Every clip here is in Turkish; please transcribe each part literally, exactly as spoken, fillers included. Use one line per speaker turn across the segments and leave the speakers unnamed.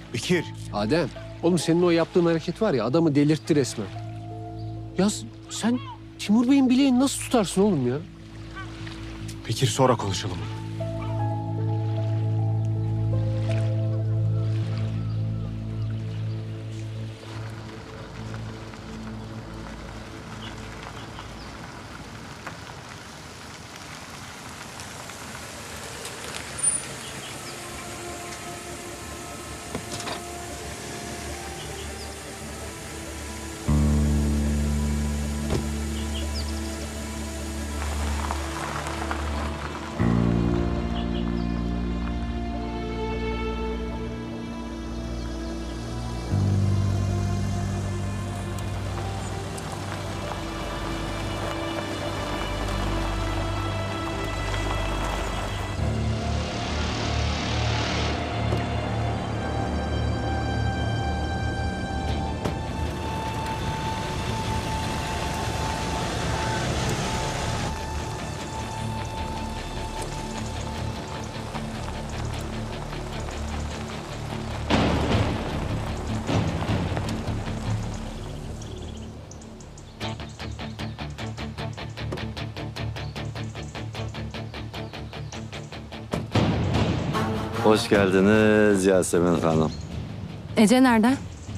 Bekir.
Adem, oğlum senin o yaptığın hareket var ya adamı delirtti resmen. Ya sen Timur Bey'in bileğini nasıl tutarsın oğlum ya?
Bekir sonra konuşalım.
Hoş geldiniz Yasemin Hanım.
Ece nerede?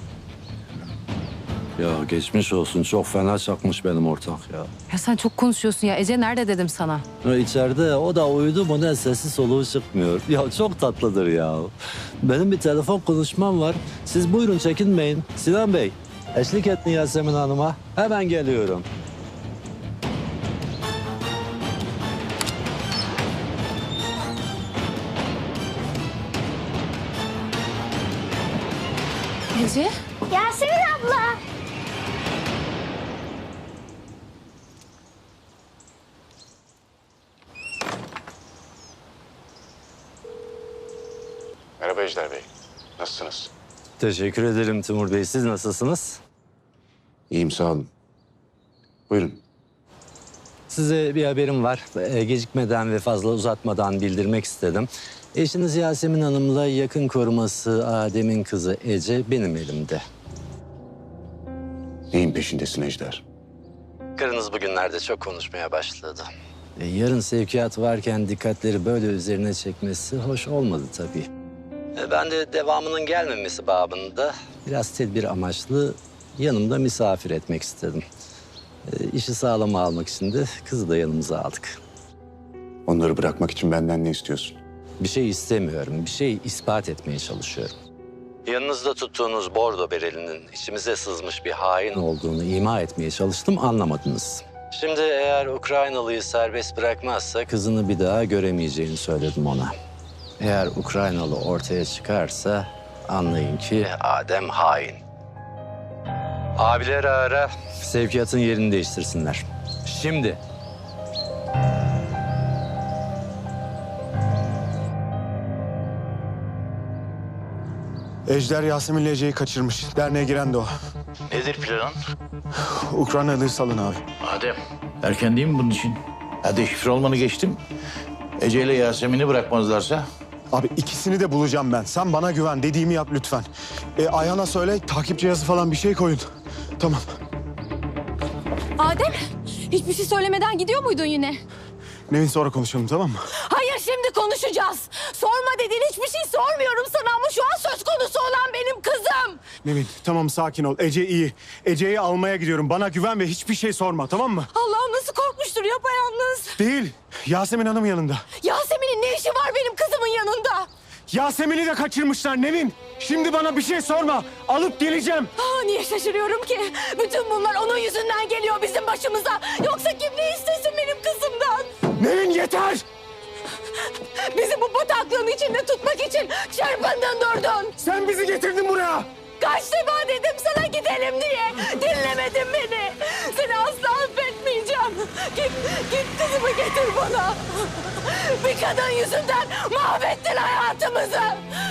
Ya geçmiş olsun. Çok fena çakmış benim ortak ya.
Ya sen çok konuşuyorsun ya. Ece nerede dedim sana.
ya içeride o da uyudu mu ne sesi soluğu çıkmıyor. Ya çok tatlıdır ya. Benim bir telefon konuşmam var. Siz buyurun çekinmeyin. Sinan Bey, eşlik ettin Yasemin Hanım'a. Hemen geliyorum.
Ece?
Yasemin abla.
Merhaba Ejder Bey. Nasılsınız?
Teşekkür ederim Timur Bey. Siz nasılsınız?
İyiyim sağ olun. Buyurun.
Size bir haberim var. Ee, Gecikmeden ve fazla uzatmadan bildirmek istedim. Eşiniz Yasemin Hanım'la yakın koruması Adem'in kızı Ece benim elimde.
Neyin peşindesin Ejder?
Karınız bugünlerde çok konuşmaya başladı. E, yarın sevkiyat varken dikkatleri böyle üzerine çekmesi hoş olmadı tabii. E, ben de devamının gelmemesi babında biraz tedbir amaçlı yanımda misafir etmek istedim. E, işi sağlama almak için de kızı da yanımıza aldık.
Onları bırakmak için benden ne istiyorsun?
Bir şey istemiyorum, bir şey ispat etmeye çalışıyorum. Yanınızda tuttuğunuz bordo berelinin içimize sızmış bir hain olduğunu ima etmeye çalıştım, anlamadınız. Şimdi eğer Ukraynalıyı serbest bırakmazsa kızını bir daha göremeyeceğini söyledim ona. Eğer Ukraynalı ortaya çıkarsa anlayın ki Adem hain. Abileri ara, sevkiyatın yerini değiştirsinler. Şimdi.
Ejder Yasemin'le Ece'yi kaçırmış. Derneğe giren de o.
Nedir planın?
Ukraynalıyı salın abi.
Adem, erken değil mi bunun için? Hadi şifre olmanı geçtim. Ece ile Yasemin'i bırakmazlarsa?
Abi ikisini de bulacağım ben. Sen bana güven. Dediğimi yap lütfen. E, Ayhan'a söyle takip cihazı falan bir şey koyun. Tamam.
Adem, hiçbir şey söylemeden gidiyor muydun yine?
Nevin sonra konuşalım tamam mı?
Hayır, şimdi konuşacağız. Sorma dedin, hiçbir şey sormuyorum sana ama şu an söz konusu olan benim kızım.
Nevin tamam sakin ol. Ece iyi. Ece'yi almaya gidiyorum. Bana güven ve hiçbir şey sorma tamam mı?
Allah'ım nasıl korkmuştur yapayalnız.
Değil. Yasemin Hanım yanında.
Yasemin'in ne işi var benim kızımın yanında?
Yasemin'i de kaçırmışlar Nevin. Şimdi bana bir şey sorma. Alıp geleceğim.
Aa, niye şaşırıyorum ki? Bütün bunlar onun yüzünden geliyor bizim başımıza. Yoksa kim ne istesin benim kızımdan?
Nevin yeter.
Bizi bu bataklığın içinde tutmak için çırpındın durdun.
Sen bizi getirdin buraya.
Kaç defa dedim sana gidelim diye. Dinlemedin beni. Seni asla affetmeyeceğim. Git, git kızımı getir bana. Bir kadın yüzünden mahvettin hayatımızı.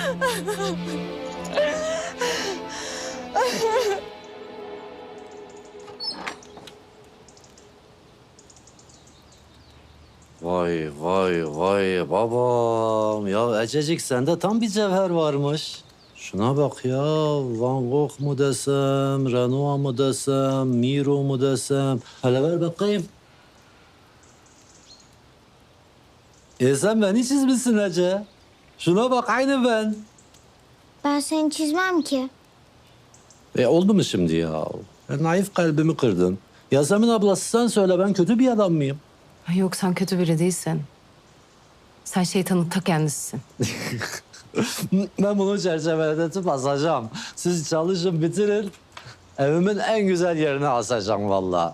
Vay vay vay babam. Ya Ececik sende tam bir cevher varmış. Şuna bak ya. Van Gogh mu desem, Renoir mu desem, Miro mu desem. Hele ver bakayım. E sen beni çizmişsin Ece. Şuna bak aynı ben.
Ben seni çizmem ki.
E oldu mu şimdi ya? E, naif kalbimi kırdın. Yasemin ablası sen söyle ben kötü bir adam mıyım?
Ay yok sen kötü biri değilsin. Sen şeytanın ta kendisisin.
Ben bunu çerçeveletip asacağım. Siz çalışın bitirin. Evimin en güzel yerine asacağım vallahi.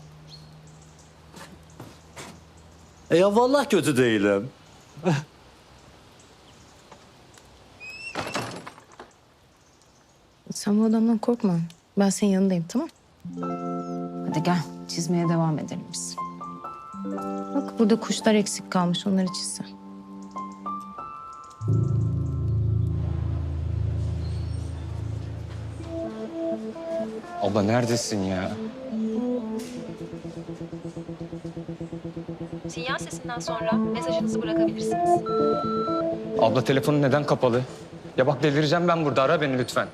E ya vallahi kötü değilim.
Sen bu adamdan korkma. Ben senin yanındayım tamam. Hadi gel çizmeye devam edelim biz. Bak burada kuşlar eksik kalmış onları çizsen.
Abla neredesin ya?
Sinyal sesinden sonra mesajınızı bırakabilirsiniz.
Abla telefonun neden kapalı? Ya bak delireceğim ben burada. Ara beni lütfen.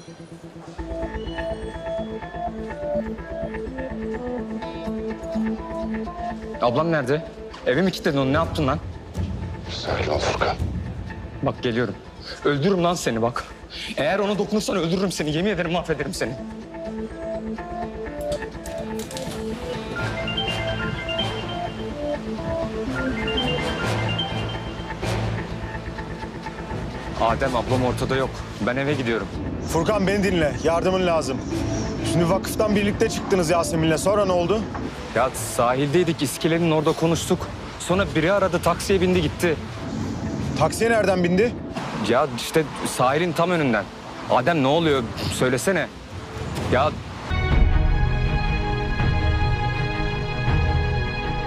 Ablam nerede? Evi mi kilitledin onu? Ne yaptın lan?
Sakin ol Furkan.
Bak geliyorum. Öldürürüm lan seni bak. Eğer ona dokunursan öldürürüm seni. Yemin ederim mahvederim seni. Adem ablam ortada yok. Ben eve gidiyorum.
Furkan beni dinle. Yardımın lazım. Şimdi vakıftan birlikte çıktınız Yasemin'le. Sonra ne oldu?
Ya sahildeydik, iskelenin orada konuştuk. Sonra biri aradı, taksiye bindi gitti.
Taksiye nereden bindi?
Ya işte sahilin tam önünden. Adem ne oluyor? Söylesene. Ya